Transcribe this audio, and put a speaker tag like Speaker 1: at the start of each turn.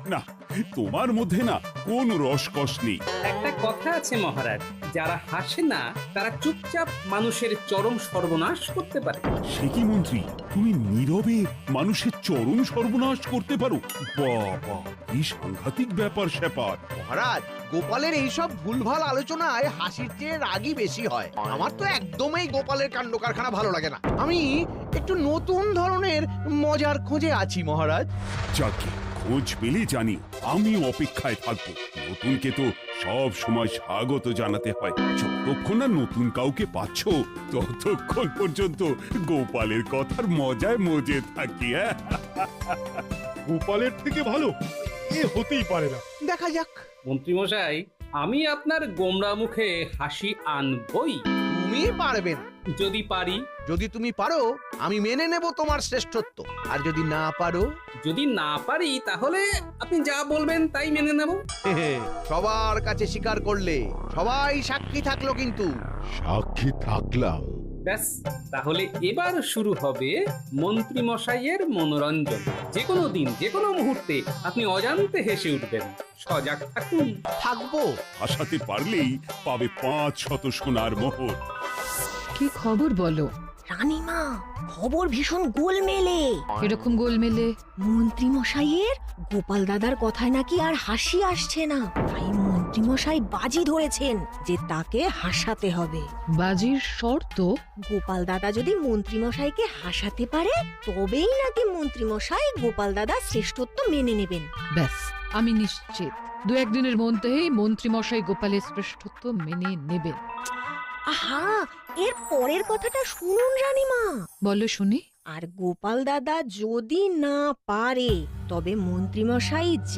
Speaker 1: না, তোমার মধ্যে না কোন রসকস নেই।
Speaker 2: একটা কথা আছে মহারাজ, যারা হাসে না তারা চুপচাপ মানুষের চরম সর্বনাশ করতে পারে।
Speaker 1: সে কি মন্ত্রী, তুমি নীরবে মানুষের চরম সর্বনাশ করতে পারো? বাবা, কি সাংঘাতিক ব্যাপার স্যাপার।
Speaker 3: মহারাজ, গোপালের এইসব ভুলভাল আলোচনায় হাসির চেয়ে রাগই বেশি হয়। আমার তো একদমই গোপালের কাণ্ড কারখানা ভালো লাগে না। আমি একটু নতুন ধরনের মজার খোঁজে আছি মহারাজ।
Speaker 1: যাকে খোঁজ পেলে জানি, আমি অপেক্ষায় থাকবো। নতুনকে তো সব সময় স্বাগত জানাতে হয়। যতক্ষণ না নতুন কাউকে পাচ্ছ, ততক্ষণ পর্যন্ত গোপালের কথার মজায় মজে থাকি।
Speaker 4: গোপালের থেকে ভালো এ হতেই পারে না।
Speaker 3: দেখা যাক।
Speaker 2: মন্ত্রীমশাই, আমি আপনার গোমরা মুখে হাসি আনবই,
Speaker 3: তুমি পারবে না।
Speaker 2: যদি পারি।
Speaker 3: যদি তুমি পারো, আমি মেনে নেব তোমার শ্রেষ্ঠত্ব। আর যদি না পারো,
Speaker 2: যদি না পারি তাহলে আপনি যা বলবেন তাই মেনে নেব।
Speaker 3: সবার কাছে স্বীকার করলে সবাই সাক্ষী থাকলো কিন্তু।
Speaker 4: সাক্ষী থাকলাম।
Speaker 2: ব্যাস, তাহলে এবার শুরু হবে মন্ত্রী মশাইয়ের মনোরঞ্জন। যে কোনো দিন, যে কোনো মুহূর্তে আপনি অজান্তে হেসে উঠবেন। সজাগ থাকুন।
Speaker 3: থাকবো।
Speaker 1: হাসাতে পারলেই পাবে 500 সোনার মোহর।
Speaker 5: কি খবর বলো?
Speaker 6: রানীমা, খবর ভীষণ গোলমেলে।
Speaker 5: এরকম গোলমেলে?
Speaker 6: মন্ত্রী মশাইয়ের গোপাল দাদার কথায় নাকি আর হাসি আসছে না, তাই মন্ত্রী মশাই বাজি ধরেছেন যে তাকে হাসাতে হবে।
Speaker 5: বাজির শর্ত?
Speaker 6: গোপাল দাদা যদি মন্ত্রী মশাইকে হাসাতে পারে, তবেই নাকি মন্ত্রী মশাই গোপাল দাদা শ্রেষ্ঠত্ব মেনে নেবেন।
Speaker 5: ব্যাস, আমি নিশ্চিত 2-1 দিনের মধ্যেই মন্ত্রী মশাই গোপালের শ্রেষ্ঠত্ব মেনে নেবেন।
Speaker 6: আহা, এর পরের কথাটা শুনুন রানীমা।
Speaker 5: বলো শুনি।
Speaker 6: আর গোপাল দাদা যদি না পারে, তবে মন্ত্রী মশাই